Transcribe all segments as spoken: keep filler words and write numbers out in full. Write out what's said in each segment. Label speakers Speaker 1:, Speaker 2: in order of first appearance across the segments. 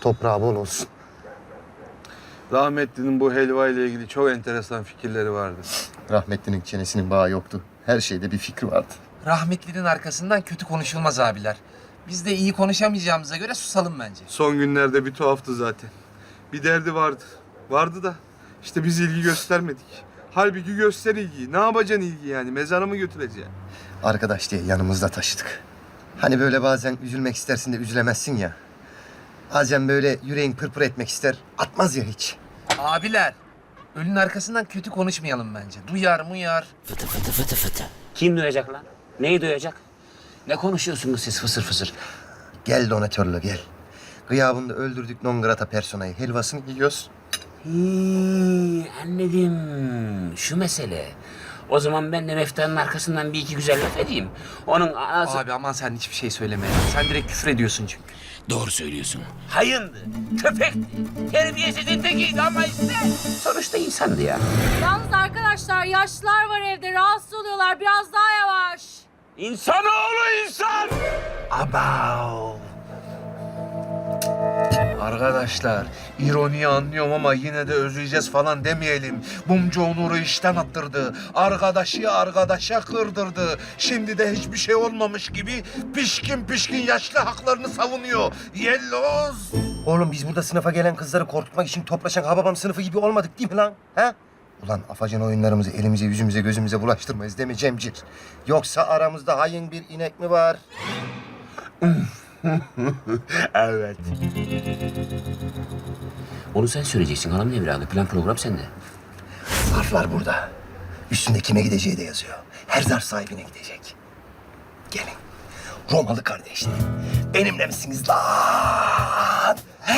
Speaker 1: Toprağı bol olsun.
Speaker 2: Rahmetli'nin bu helva ile ilgili çok enteresan fikirleri vardı.
Speaker 1: Rahmetlinin çenesinin bağı yoktu. Her şeyde bir fikri vardı.
Speaker 3: Rahmetlinin arkasından kötü konuşulmaz abiler. Biz de iyi konuşamayacağımıza göre susalım bence.
Speaker 2: Son günlerde bir tuhaftı zaten. Bir derdi vardı. Vardı da işte biz ilgi göstermedik. Halbuki göster ilgiyi. Ne yapacaksın ilgi yani? Mezara mı götüreceksin?
Speaker 1: Arkadaş diye yanımızda taşıdık. Hani böyle bazen üzülmek istersin de üzülemezsin ya. Bazen böyle yüreğin pırpır etmek ister, atmaz ya hiç.
Speaker 3: Abiler, ölünün arkasından kötü konuşmayalım bence. Duyar muyar.
Speaker 4: Fıtı fıtı fıtı fıtı. Kim duyacak lan? Neyi duyacak? Ne konuşuyorsunuz siz fısır fısır?
Speaker 1: Gel donatörlü gel. Gıyabında öldürdük non grata personayı. Helvasını yiyoruz.
Speaker 4: Hii, anladım. Şu mesele. O zaman ben de Meftan'ın arkasından bir iki güzel laf edeyim. Onun anası...
Speaker 3: Abi aman sen hiçbir şey söyleme ya. Sen direkt küfür ediyorsun çünkü.
Speaker 4: Doğru söylüyorsun. Hayındı, köpekti, terbiyesizin tekiydi ama işte sonuçta insandı ya.
Speaker 5: Yalnız arkadaşlar yaşlılar var evde rahatsız oluyorlar biraz daha yavaş.
Speaker 4: İnsanoğlu insan!
Speaker 3: Abav. Arkadaşlar, ironiyi anlıyorum ama yine de özleyeceğiz falan demeyelim. Bumcu Onur'u işten attırdı. Arkadaşı arkadaşa kırdırdı. Şimdi de hiçbir şey olmamış gibi pişkin pişkin yaşlı haklarını savunuyor. Yelloz.
Speaker 1: Oğlum biz burada sınıfa gelen kızları korkutmak için toplaşan Hababam sınıfı gibi olmadık değil mi lan? Ha? Ulan afacan oyunlarımızı elimize, yüzümüze, gözümüze bulaştırmayız değil mi Cemcir? Yoksa aramızda hain bir inek mi var?
Speaker 4: Evet. Onu sen söyleyeceksin hanım evladı. Plan program sende.
Speaker 1: Zarflar burada. Üstünde kime gideceği de yazıyor. Her zarf sahibine gidecek. Gelin. Romalı kardeşler. Benimle misiniz lan?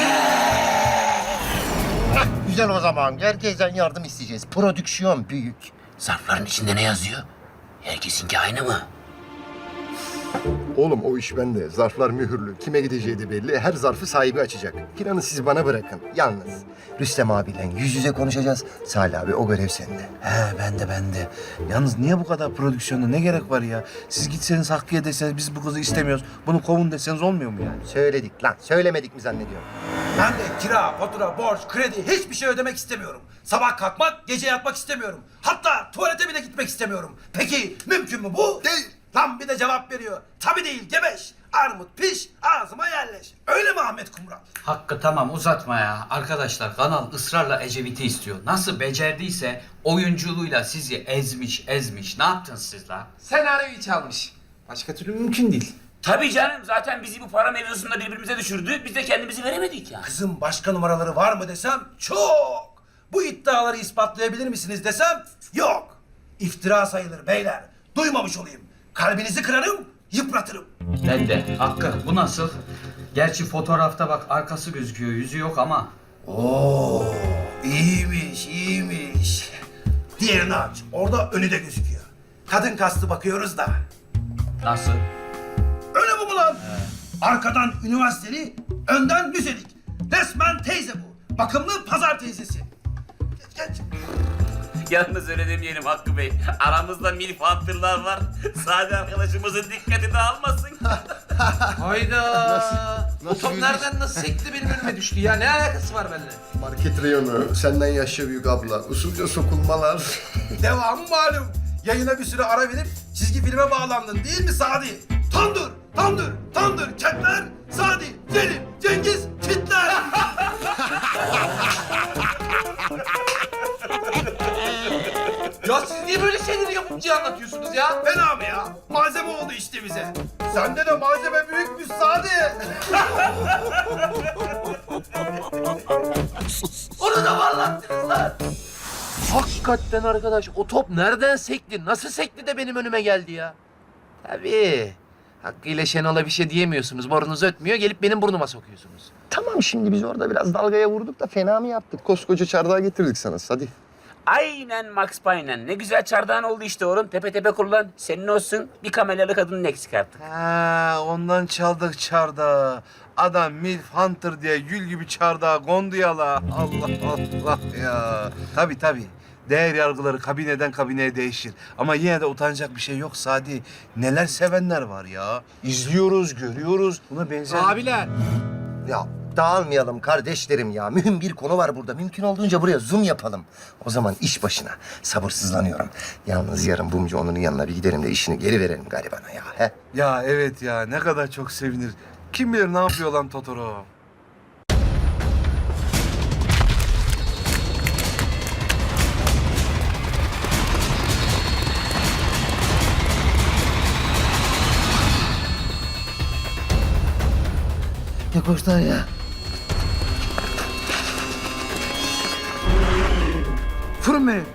Speaker 1: Heh, güzel o zaman. Herkesten yardım isteyeceğiz. Prodüksiyon büyük.
Speaker 4: Zarfların içinde ne yazıyor? Herkesinki aynı mı?
Speaker 1: Oğlum o iş bende. Zarflar mühürlü. Kime gideceği de belli. Her zarfı sahibi açacak. Planı siz bana bırakın. Yalnız Rüstem abiyle yüz yüze konuşacağız. Salih abi o görev sende.
Speaker 3: He ben de ben de. Yalnız niye bu kadar prodüksiyona ne gerek var ya? Siz gitseniz Hakkı'ya deseniz biz bu kızı istemiyoruz. Bunu kovun deseniz olmuyor mu yani?
Speaker 1: Söyledik lan. Söylemedik mi zannediyorum?
Speaker 6: Ben de kira, fatura, borç, kredi hiçbir şey ödemek istemiyorum. Sabah kalkmak, gece yatmak istemiyorum. Hatta tuvalete bile gitmek istemiyorum. Peki mümkün mü bu? Değil. Lan bir de cevap veriyor. Tabii değil gebeş. Armut piş, ağzıma yerleş. Öyle mi Ahmet Kumral?
Speaker 7: Hakkı tamam uzatma ya. Arkadaşlar kanal ısrarla Ecevit'i istiyor. Nasıl becerdiyse oyunculuğuyla sizi ezmiş ezmiş. Ne yaptınız siz la?
Speaker 3: Senaryoyu çalmış. Başka türlü mümkün değil.
Speaker 4: Tabii canım zaten bizi bu para mevzusunda birbirimize düşürdü. Biz de kendimizi veremedik ya.
Speaker 6: Kızım başka numaraları var mı desem çok. Bu iddiaları ispatlayabilir misiniz desem yok. İftira sayılır beyler. Duymamış olayım. Kalbinizi kırarım, yıpratırım.
Speaker 7: Ben de. Hakkı bu nasıl? Gerçi fotoğrafta bak arkası gözüküyor. Yüzü yok ama.
Speaker 6: Oo, iyiymiş, iyiymiş. Diğerini aç. Orada önü de gözüküyor. Kadın kastı bakıyoruz da.
Speaker 7: Nasıl?
Speaker 6: Öyle mi bu lan? Arkadan üniversiteli, önden müzelik. Resmen teyze bu. Bakımlı pazar teyzesi. Geç geç.
Speaker 4: Yalnız öyle demeyelim Hakkı Bey. Aramızda milf hatırlar var. Sade arkadaşımızın dikkatini almasın.
Speaker 3: Hayda.
Speaker 1: Nasıl
Speaker 3: O top
Speaker 1: yürüyüş?
Speaker 3: nereden nasıl sekti benim önüme düştü ya? Ne alakası var benimle?
Speaker 1: Market reyonu, senden yaşça büyük abla, usulca sokulmalar.
Speaker 6: Devamı malum. Yayına bir süre ara verip çizgi filme bağlandın değil mi Sadi? Tandır, tandır, tandır, ketler, Sadi, Selim, Cengiz, kitler.
Speaker 3: Ya siz niye böyle şeyleri yapımcıya anlatıyorsunuz ya?
Speaker 6: Fena mı ya? Malzeme oldu işte bize. Sende de malzeme büyükmüş Sadi.
Speaker 3: Onu da mı anlattınız lan? Hakikaten arkadaş o top nereden sekti? Nasıl sekti de benim önüme geldi ya? Tabii. Hakkı ile Şenol'a bir şey diyemiyorsunuz. Borunuz ötmüyor. Gelip benim burnuma sokuyorsunuz.
Speaker 1: Tamam şimdi biz orada biraz dalgaya vurduk da fena mı yaptık? Koskoca çardağı getirdik sana hadi.
Speaker 4: Aynen Max Payne'en. Ne güzel çardağın oldu işte oğlum. Tepe tepe kullan. Senin olsun. Bir kameralı kadının eksik artık.
Speaker 2: Ha, ondan çaldık çardağı. Adam Milf Hunter diye gül gibi çardağa kondu ya la. Allah Allah ya. Tabii tabii. Değer yargıları kabineden kabineye değişir. Ama yine de utanacak bir şey yok Sadi. Neler sevenler var ya. İzliyoruz, görüyoruz. Buna benzer...
Speaker 3: Abiler.
Speaker 1: Ya Dağılmayalım kardeşlerim ya. Mühim bir konu var burada. Mümkün olduğunca buraya zoom yapalım. O zaman iş başına. Sabırsızlanıyorum. Yalnız yarın Bumcu onun yanına bir gidelim de işini geri verelim garibana ya. He?
Speaker 2: Ya evet ya, ne kadar çok sevinir. Kim bilir ne yapıyor lan Totoro?
Speaker 1: Ne koşlar ya?
Speaker 6: Vurun beni.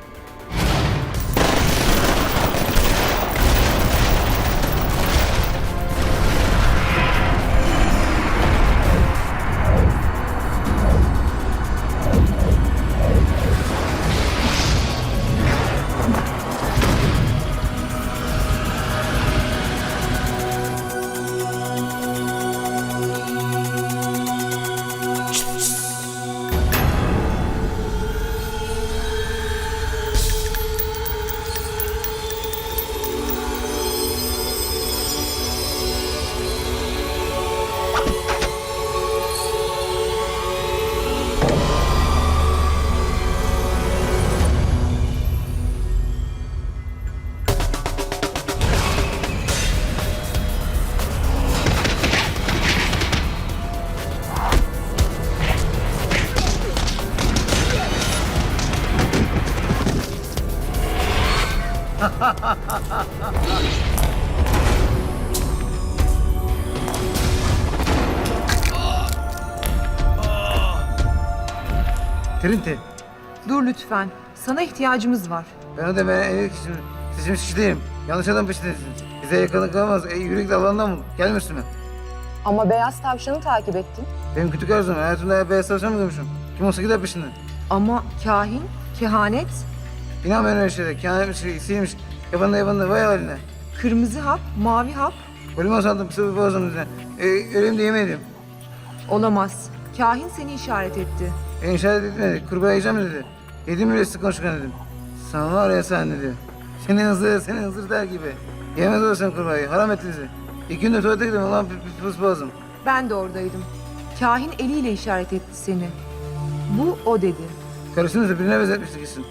Speaker 8: Trinti,
Speaker 9: Dur lütfen. Sana ihtiyacımız var.
Speaker 8: ben de ben evlilik için seçilmiş kişi değilim. Yanlış adam peşindesiniz. Bize yakınlık kalmaz. E, yürekli alandan bul. Gelme üstüme.
Speaker 9: Ama beyaz tavşanı takip ettin.
Speaker 8: Benim küçük arzum. Hayatımda beyaz tavşan mı görmüşüm? Kim olsa gider peşinden.
Speaker 9: Ama kahin, kehanet,
Speaker 8: İnanmayın öyle şeylere. Kehanetmiş, sihirmiş. Yabanında yabanında. Vay haline.
Speaker 9: kırmızı hap, mavi hap
Speaker 8: Ölüme sandım. Pısı bir boğazım üzerine. E, öleyim de yemeyelim.
Speaker 9: olamaz. Kahin seni işaret etti.
Speaker 8: Beni işaret etmedi. Kurbağa yiyeceğim dedi. Yedim bile sık konuşkan dedim. Sana var ya sen dedi. Seni hızır, seni hızır der gibi. Yemez olsun kurbağayı. Haram ettiniz. İki günde tuvalete gidelim. Ulan pis pis boğazım.
Speaker 9: Ben de oradaydım. Kahin eliyle işaret etti seni. Bu o dedi.
Speaker 8: Karısını da birine benzetmiştik gitsin.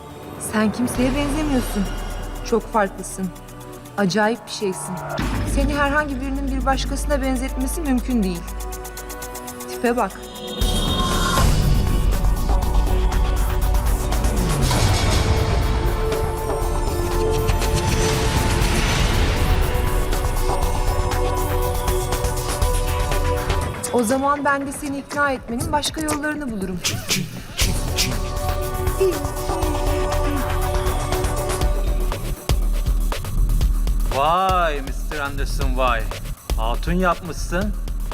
Speaker 9: Sen kimseye benzemiyorsun. Çok farklısın. Acayip bir şeysin. Seni herhangi birinin bir başkasına benzetmesi mümkün değil. Tipe bak. O zaman ben de seni ikna etmenin başka yollarını bulurum.
Speaker 10: Vay mister Anderson vay. Hatun yapmışsın.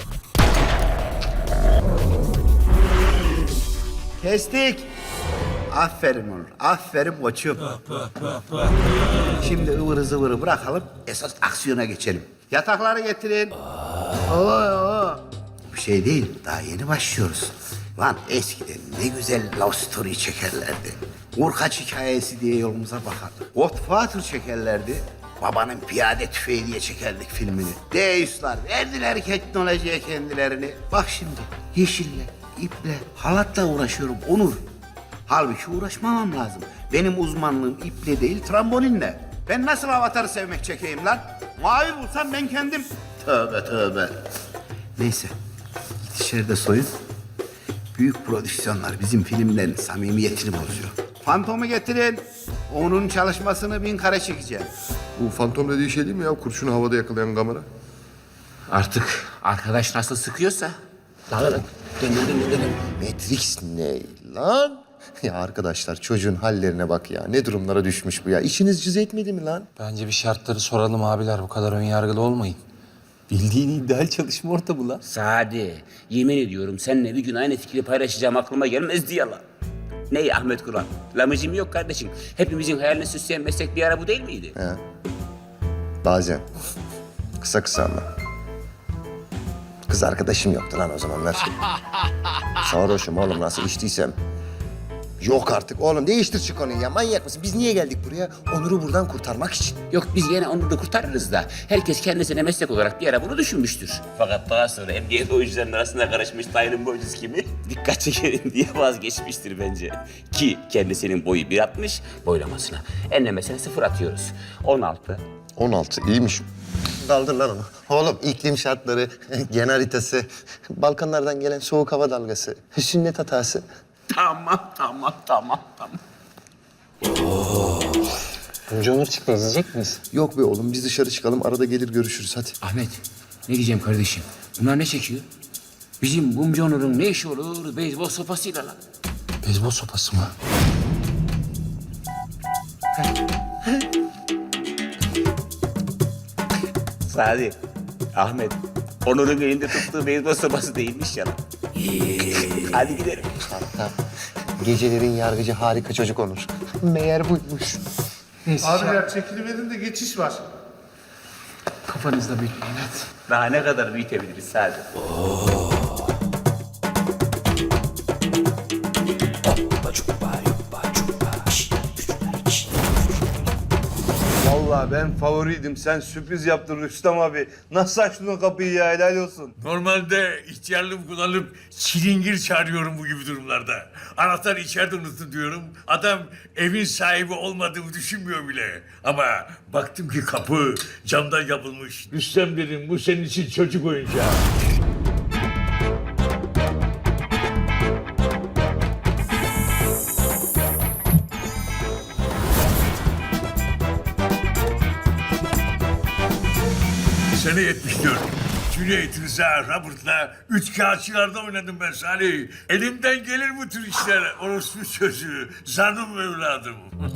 Speaker 11: Kestik. Aferin Onur. Aferin koçum. Şimdi ıvırı zıvırı bırakalım. Esas aksiyona geçelim. Yatakları getirin.
Speaker 8: Allah Allah.
Speaker 11: Bir şey değil. Daha yeni başlıyoruz. Lan eskiden ne güzel love story çekerlerdi. Urkaç hikayesi diye yolumuza bakardık. Godfather çekerlerdi. Babanın piyade tüfeği diye çekerdik filmini. Deus'lar verdiler teknolojiye kendilerini. Bak şimdi yeşille, iple, halatla uğraşıyorum Onur. Halbuki uğraşmamam lazım. Benim uzmanlığım iple değil trambolinle. Ben nasıl avatarı sevmek çekeyim lan? Mavi bulsam ben kendim. Tövbe tövbe. Neyse. Git içeride soyun. Büyük prodüksiyonlar bizim filmlerin samimiyetini bozuyor. Fantomu getirin. Onun çalışmasını bin kare çekeceğim.
Speaker 1: Bu fantom dediği şey değil mi ya? Kurşunu havada yakalayan kamera.
Speaker 4: Artık arkadaş nasıl sıkıyorsa. Lan lan, dön dön dön dön.
Speaker 1: Matrix ne lan? Ya arkadaşlar çocuğun hallerine bak ya. Ne durumlara düşmüş bu ya. İşiniz cız etmedi mi lan?
Speaker 10: Bence bir şartları soralım abiler. Bu kadar önyargılı olmayın. Bildiğin ideal çalışma ortamı lan.
Speaker 4: Sadi, yemin ediyorum seninle bir gün aynı fikri paylaşacağım aklıma gelmezdi ya lan. Ney Ahmet Kur'an? Lamıcım yok kardeşim. Hepimizin hayalini süsleyen meslek bir ara bu değil miydi?
Speaker 1: He. Bazen. Kısa kısa ama. Kız arkadaşım yoktu lan o zamanlar. Sarhoşum oğlum nasıl içtiysem. Yok artık oğlum değiştir şu konuyu ya. Manyak mısın? Biz niye geldik buraya? Onur'u buradan kurtarmak için.
Speaker 4: Yok biz yine onu da kurtarırız da. Herkes kendisine meslek olarak bir ara bunu düşünmüştür. Fakat daha sonra emniyet oyuncularının arasında karışmış dayının boycusu kimi dikkat çekelim diye vazgeçmiştir bence. Ki kendisinin boyu bir altmış, boylamasına enlemesine sıfır atıyoruz. on altı.
Speaker 1: on altı iyiymiş. Kaldır lan onu. Oğlum iklim şartları, gen haritası, Balkanlardan gelen soğuk hava dalgası, sünnet hatası.
Speaker 4: Tamam, tamam, tamam, tamam.
Speaker 10: Önce Onur çıktı. İzleyecek miyiz?
Speaker 1: Yok be oğlum biz dışarı çıkalım arada gelir görüşürüz hadi.
Speaker 4: Ahmet, ne diyeceğim kardeşim? Bunlar ne çekiyor? Bizim Bumcu Onur'un ne işi olur beyzbol sopasıyla lan?
Speaker 10: Beyzbol sopası mı?
Speaker 4: Sadi, Ahmet, Onur'un elinde tuttuğu beyzbol sopası değilmiş ya lan. Hadi gidelim.
Speaker 1: Hatta gecelerin yargıcı harika çocuk Onur. Meğer buymuş.
Speaker 2: Abiler çekiliverin de geçiş var.
Speaker 10: Kafanızda büyütmeyin hadi.
Speaker 4: Daha ne kadar büyütebiliriz Sadi?
Speaker 2: Vallahi ben favoriydim. Sen sürpriz yaptın Rüstem abi. Nasıl açtın o kapıyı ya? Helal olsun.
Speaker 12: Normalde ihtiyarlığımı kullanıp çilingir çağırıyorum bu gibi durumlarda. Anahtarı içeride unuttum diyorum. Adam evin sahibi olmadığımı düşünmüyor bile. Ama baktım ki kapı camdan yapılmış. Rüstem dedim bu senin için çocuk oyuncağı. Sene yetmiş dört. Cüneyt Rıza, Robert'la üç kağıtçılarda oynadım ben Salih. Elimden gelir bu tür işler. Orospu çocuğu, zanım evladım.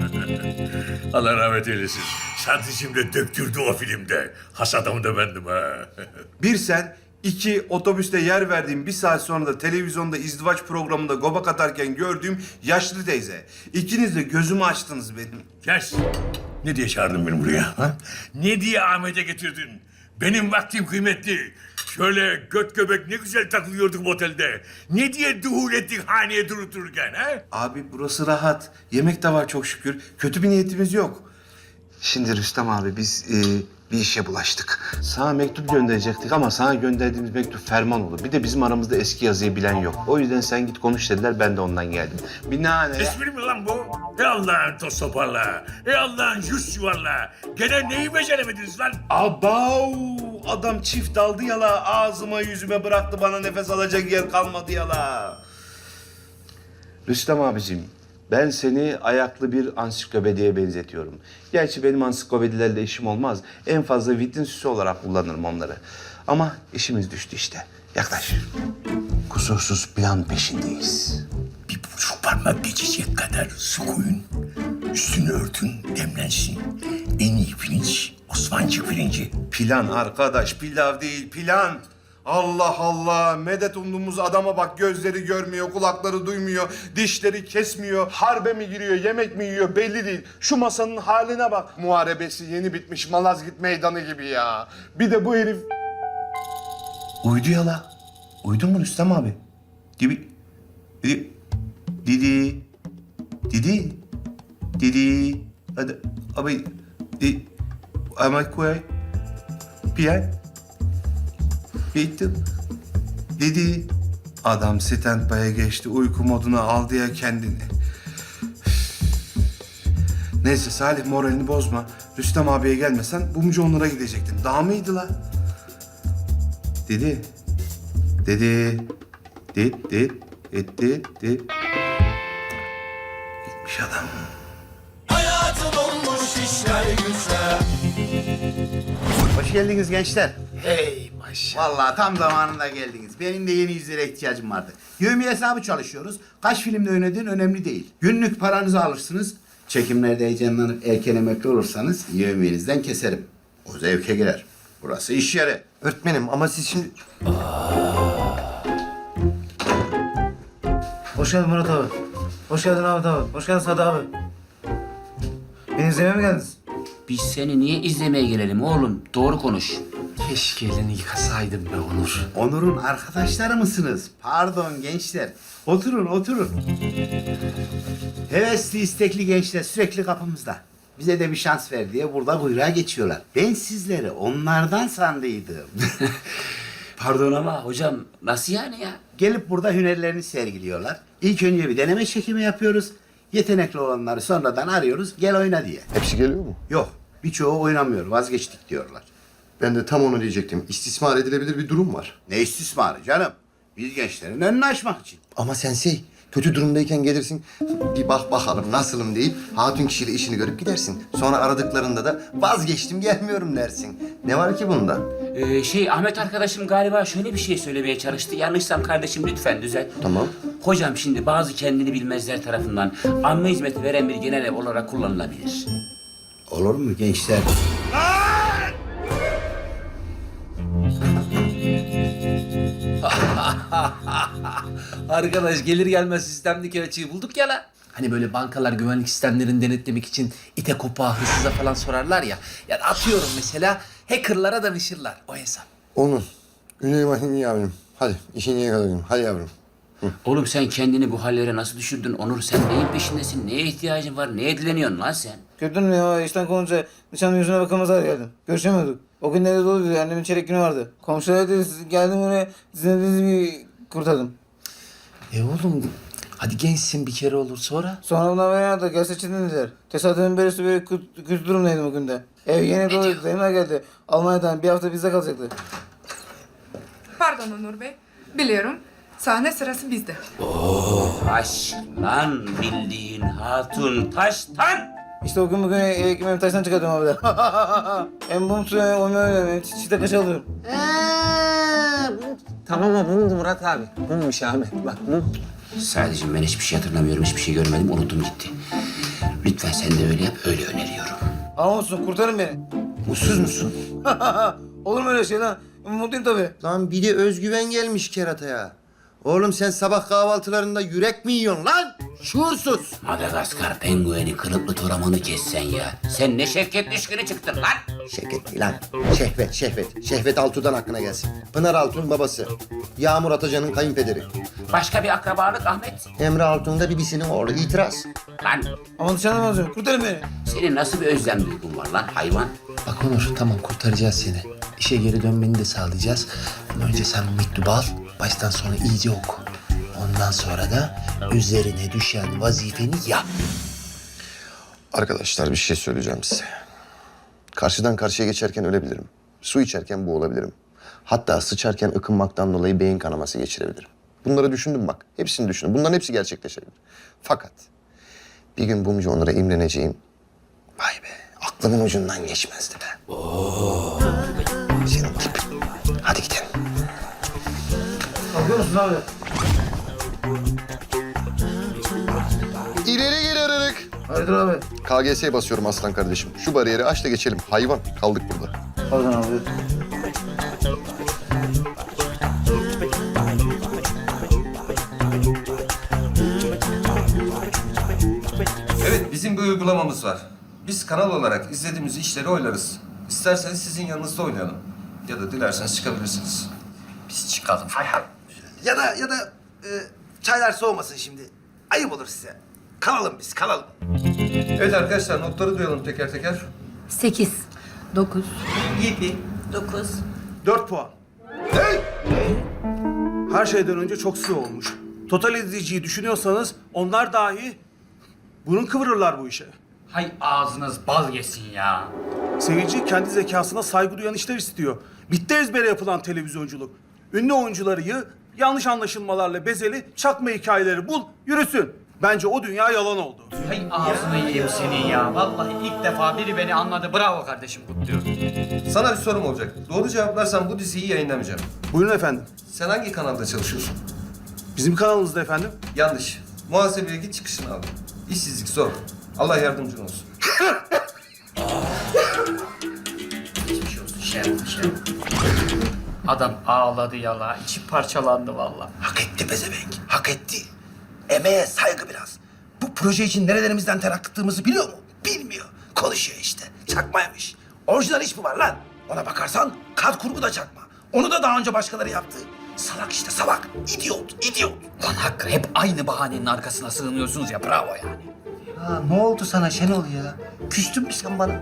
Speaker 12: Allah rahmet eylesin. Satıcım da döktürdü o filmde. Has adamı da bendim ha.
Speaker 2: Bir sen, iki otobüste yer verdiğim bir saat sonra da televizyonda izdivaç programında gobak atarken gördüğüm yaşlı teyze. İkiniz de gözümü açtınız benim.
Speaker 12: Kes. Ne diye çağırdın beni buraya? Ha? Ne diye Ahmet'e getirdin? Benim vaktim kıymetli. Şöyle göt göbek ne güzel takılıyorduk otelde. Ne diye duhul ettik haneye durup dururken ha?
Speaker 2: Abi burası rahat. Yemek de var çok şükür. Kötü bir niyetimiz yok. Şimdi Rüstem abi biz e, bir işe bulaştık. Sana mektup gönderecektik ama sana gönderdiğimiz mektup ferman oldu. Bir de bizim aramızda eski yazıyı bilen yok. O yüzden sen git konuş dediler, ben de ondan geldim. Binaenaleyh...
Speaker 12: Espri mi lan bu? Ey Allah'ın toz toparla. Ey Allah'ın yüz yuvarla. Gene neyi beceremediniz lan?
Speaker 2: Abav! Adam çift aldı yala. Ağzıma yüzüme bıraktı, bana nefes alacak yer kalmadı yala. Rüstem abicim, ben seni ayaklı bir ansiklopediye benzetiyorum. Gerçi benim ansiklopedilerle işim olmaz. En fazla vitrin süsü olarak kullanırım onları. Ama işimiz düştü işte. Yaklaş. Kusursuz plan peşindeyiz.
Speaker 12: Bir buçuk parmak geçecek kadar su koyun. Üstünü örtün, demlensin. En iyi pirinç, Osmancık pirinci.
Speaker 2: Plan arkadaş, pilav değil, plan. Allah Allah, medet umduğumuz adama bak, gözleri görmüyor, kulakları duymuyor, dişleri kesmiyor, harbe mi giriyor, yemek mi yiyor belli değil. Şu masanın haline bak. Muharebesi yeni bitmiş Malazgirt meydanı gibi ya. Bir de bu herif... Uydu ya la. Uydun mu Rüstem abi? Gibi... Didi... Didi... Didi... Didi... Hadi... Abi... Didi... Ama koy... Piyen... Bitti. Dedi. Adam stand-by'e geçti. Uyku moduna aldı ya kendini. Neyse Salih, moralini bozma. Rüstem abiye gelmesen Bumcu Onur'a gidecektin. Daha mıydı la? Dedi. Dedi. Dedi. Dedi. Dedi. Dedi. Gitmiş adam.
Speaker 11: Hayatım olmuş işler güçler. Hoş geldiniz gençler.
Speaker 10: Hey maşallah.
Speaker 11: Vallahi tam zamanında geldiniz. Benim de yeni yüzlere ihtiyacım vardı. Yevmiye hesabı çalışıyoruz. Kaç filmde oynadığın önemli değil. Günlük paranızı alırsınız. Çekimlerde heyecanlanıp erken emekli olursanız yevmiyenizden keserim. O zevke girer. Burası iş yeri.
Speaker 1: Öğretmenim ama siz şimdi...
Speaker 8: Hoş geldin Murat abi. Hoş geldin Ahmet abi. Hoş geldin Sadı abi. Beni izlemeye mi geldiniz?
Speaker 4: Biz seni niye izlemeye gelelim oğlum? Doğru konuş.
Speaker 10: Keşke elini yıkasaydım be Onur.
Speaker 11: Onur'un arkadaşları mısınız? Pardon gençler. Oturun, oturun. Hevesli, istekli gençler sürekli kapımızda. Bize de bir şans ver diye burada kuyruğa geçiyorlar. Ben sizleri onlardan sandıydım.
Speaker 4: Pardon ama hocam nasıl yani ya?
Speaker 11: Gelip burada hünerlerini sergiliyorlar. İlk önce bir deneme çekimi yapıyoruz. Yetenekli olanları sonradan arıyoruz, gel oyna diye.
Speaker 1: Hepsi geliyor mu?
Speaker 11: Yok, birçoğu oynamıyor, vazgeçtik diyorlar.
Speaker 1: Ben de tam onu diyecektim. İstismar edilebilir bir durum var.
Speaker 11: Ne istismarı canım? Biz gençlerin önünü açmak için.
Speaker 1: Ama sensei, kötü durumdayken gelirsin, bir bak bakalım nasılım deyip hatun kişiyle işini görüp gidersin. Sonra aradıklarında da vazgeçtim gelmiyorum dersin. Ne var ki bunda?
Speaker 4: Ee, şey Ahmet arkadaşım galiba şöyle bir şey söylemeye çalıştı. Yanlışsam kardeşim lütfen düzelt.
Speaker 1: Tamam.
Speaker 4: Hocam şimdi bazı kendini bilmezler tarafından amme hizmeti veren bir genel ev olarak kullanılabilir.
Speaker 11: Olur mu gençler?
Speaker 10: Arkadaş gelir gelmez sistemdeki açığı bulduk ya la. Hani böyle bankalar güvenlik sistemlerini denetlemek için ite kopağa hırsıza falan sorarlar ya. Ya atıyorum mesela hackerlara danışırlar o hesap.
Speaker 1: Onun. Güney Mahini yavrum. Hadi işini yakalayalım. Hadi yavrum.
Speaker 4: Oğlum sen kendini bu hallere nasıl düşürdün Onur? Sen neyin peşindesin? Neye ihtiyacın var? Neye dileniyorsun lan sen?
Speaker 8: Gördün mü ya işten kovunca nişanın yüzüne bakamaz hale geldim. Görüşemiyorduk. O gün nerede doluydu annemin çeyrek günü vardı. Komşular dedi siz- geldim oraya sizin dediğiniz gibi kurtardım.
Speaker 10: E oğlum hadi gençsin bir kere olur sonra.
Speaker 8: Sonra bundan beri da gel seçin dediler. Tesadüfen böylesi böyle kötü, kötü durumdaydım o günde. Ev yeni doluydu dayımlar geldi. Almanya'dan bir hafta bizde kalacaktı.
Speaker 9: Pardon Onur Bey. Biliyorum. Sahne sırası bizde.
Speaker 4: Taş lan bildiğin hatun taştan.
Speaker 8: İşte o gün bugün ekmeğimi taştan çıkartıyorum abi de. Hem bum suyu hem öyle hem çiçekte kaç alıyorum.
Speaker 10: Tamam ama mumdu Murat abi. Mummuş Ahmet bak mum.
Speaker 4: Sadece ben hiçbir şey hatırlamıyorum, hiçbir şey görmedim, unuttum gitti. Lütfen sen de öyle yap, öyle öneriyorum.
Speaker 8: Ama olsun kurtarın beni.
Speaker 1: Mutsuz musun?
Speaker 8: Olur mu öyle şey lan? Mutluyum tabii.
Speaker 1: Lan bir de özgüven gelmiş kerataya. Oğlum sen sabah kahvaltılarında yürek mi yiyorsun lan? Şuursuz.
Speaker 4: Madagaskar pengueni kılıklı toramanı kessen ya. Sen ne şevket düşkünü çıktın lan.
Speaker 1: Şevket değil lan. Şehvet, Şehvet. Şehvet Altun'dan aklına gelsin. Pınar Altun babası. Yağmur Atacan'ın kayınpederi.
Speaker 4: Başka bir akrabalık Ahmet.
Speaker 1: Emre Altun da bibisinin oğlu. İtiraz.
Speaker 4: Lan
Speaker 8: Ama dışarıdan alacağım. Kurtarın beni.
Speaker 4: senin nasıl bir özlem duygun var lan hayvan?
Speaker 10: Bak Onur tamam kurtaracağız seni. İşe geri dönmeni de sağlayacağız. Ama önce sen mektubu al. Baştan sona iyice oku. Ondan sonra da üzerine düşen vazifeni yap.
Speaker 1: Arkadaşlar bir şey söyleyeceğim size. Karşıdan karşıya geçerken ölebilirim. Su içerken boğulabilirim. Hatta sıçarken ıkınmaktan dolayı beyin kanaması geçirebilirim. Bunları düşündüm bak. Hepsini düşündüm. Bunların hepsi gerçekleşebilir. Fakat bir gün Bumcu Onur'a imreneceğim. Vay be aklımın ucundan geçmezdi be. Oo. Senin tip. Hadi gidelim.
Speaker 8: Kalkıyor musun abi?
Speaker 1: İleri geri aralık.
Speaker 8: Hayırdır abi?
Speaker 1: K G S'ye basıyorum aslan kardeşim. Şu bariyeri aç da geçelim. Hayvan kaldık burada.
Speaker 8: Pardon abi.
Speaker 2: Evet, bizim bir uygulamamız var. Biz kanal olarak izlediğimiz işleri oylarız. İsterseniz sizin yanınızda oynayalım. Ya da dilerseniz çıkabilirsiniz.
Speaker 6: Biz çıkalım. Hay hay. Ya da ya da e, çaylar soğumasın şimdi. Ayıp olur size. Kalalım biz, kalalım.
Speaker 2: Evet arkadaşlar, notları duyalım teker teker.
Speaker 5: Sekiz. Dokuz.
Speaker 6: Yedi.
Speaker 5: Dokuz.
Speaker 6: Dört puan. Her şeyden önce çok sıvı olmuş. Total izleyiciyi düşünüyorsanız onlar dahi burun kıvırırlar bu işe.
Speaker 7: Hay ağzınız bal yesin ya.
Speaker 6: Seyirci kendi zekasına saygı duyan işler istiyor. Bitti ezbere yapılan televizyonculuk. Ünlü oyuncuları yığ, yanlış anlaşılmalarla bezeli çakma hikayeleri bul, yürüsün. Bence o dünya yalan oldu.
Speaker 7: Hay ağzını yiyeyim senin ya. Vallahi ilk defa biri beni anladı. Bravo kardeşim, kutluyorum.
Speaker 2: Sana bir sorum olacak. Doğru cevaplarsan bu diziyi yayınlamayacağım.
Speaker 6: Buyurun efendim.
Speaker 2: Sen hangi kanalda çalışıyorsun?
Speaker 6: Bizim kanalımızda efendim.
Speaker 2: Yanlış. Muhasebeye git çıkışını al. İşsizlik zor. Allah yardımcın olsun.
Speaker 7: Geçmiş olsun şey yapma, şey yapma. Adam ağladı yala, içi parçalandı vallahi.
Speaker 6: Hak etti pezevenk, hak etti. Emeğe saygı biraz. Bu proje için nerelerimizden ter akıttığımızı biliyor mu? Bilmiyor. Konuşuyor işte. Çakmaymış. Orijinal iş mi var lan? Ona bakarsan kat kurgu da çakma. Onu da daha önce başkaları yaptı. Salak işte salak. İdiot, idiot.
Speaker 7: Lan Hakkı hep aynı bahanenin arkasına sığınıyorsunuz ya bravo yani.
Speaker 1: Ha, ne oldu sana Şenol ya? Küstün mü sen bana?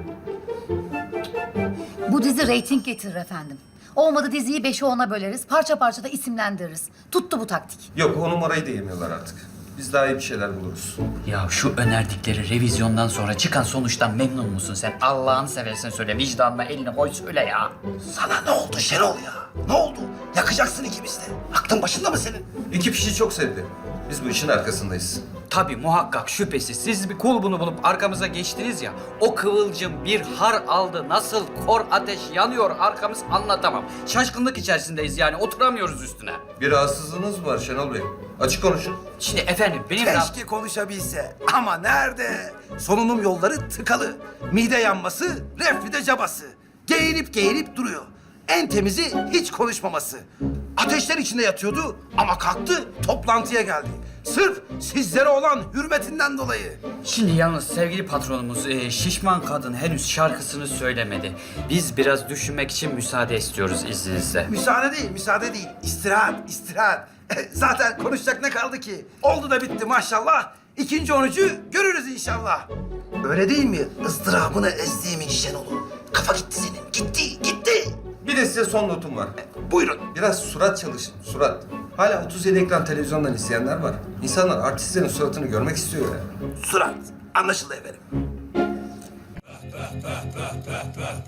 Speaker 13: Bu dizi reyting getirir efendim. Olmadı diziyi beşe ona böleriz. Parça parça da isimlendiririz. Tuttu bu taktik.
Speaker 14: Yok o numarayı da yemiyorlar artık. Biz daha iyi bir şeyler buluruz.
Speaker 7: Ya şu önerdikleri revizyondan sonra çıkan sonuçtan memnun musun sen? Allah'ını seversen söyle vicdanına elini koy söyle ya.
Speaker 6: Sana ne oldu Şenol ya? Ne oldu? Yakacaksın ikimiz de. Aklın başında mı senin?
Speaker 14: Ekip işi çok sevdi. Biz bu işin arkasındayız.
Speaker 7: Tabii muhakkak şüphesiz. Siz bir kulbunu bulup arkamıza geçtiniz ya. O kıvılcım bir har aldı. Nasıl kor ateş yanıyor arkamız anlatamam. Şaşkınlık içerisindeyiz yani oturamıyoruz üstüne.
Speaker 14: Bir rahatsızlığınız mı var Şenol Bey? Açık konuşun.
Speaker 7: Şimdi efendim benim...
Speaker 6: Keşke konuşabilse. Ama nerede? Solunum yolları tıkalı. Mide yanması, reflüde cabası. Geğirip geğirip duruyor. En temizi hiç konuşmaması. Ateşler içinde yatıyordu ama kalktı toplantıya geldi. Sırf sizlere olan hürmetinden dolayı.
Speaker 7: Şimdi yalnız sevgili patronumuz e, şişman kadın henüz şarkısını söylemedi. Biz biraz düşünmek için müsaade istiyoruz izninizle.
Speaker 6: Müsaade değil, müsaade değil. İstirahat, istirahat. Zaten konuşacak ne kaldı ki? Oldu da bitti maşallah. İkinci onucu görürüz inşallah. Öyle değil mi? Izdırabını ezdiğimin Şenol'u. Kafa gitti senin. Gitti, gitti.
Speaker 14: Bir de size son notum var.
Speaker 6: Buyurun.
Speaker 14: Biraz surat çalışın, surat. Hala otuz yedi ekran televizyondan izleyenler var. İnsanlar artistlerin suratını görmek istiyor ya.
Speaker 6: Surat. Anlaşıldı efendim.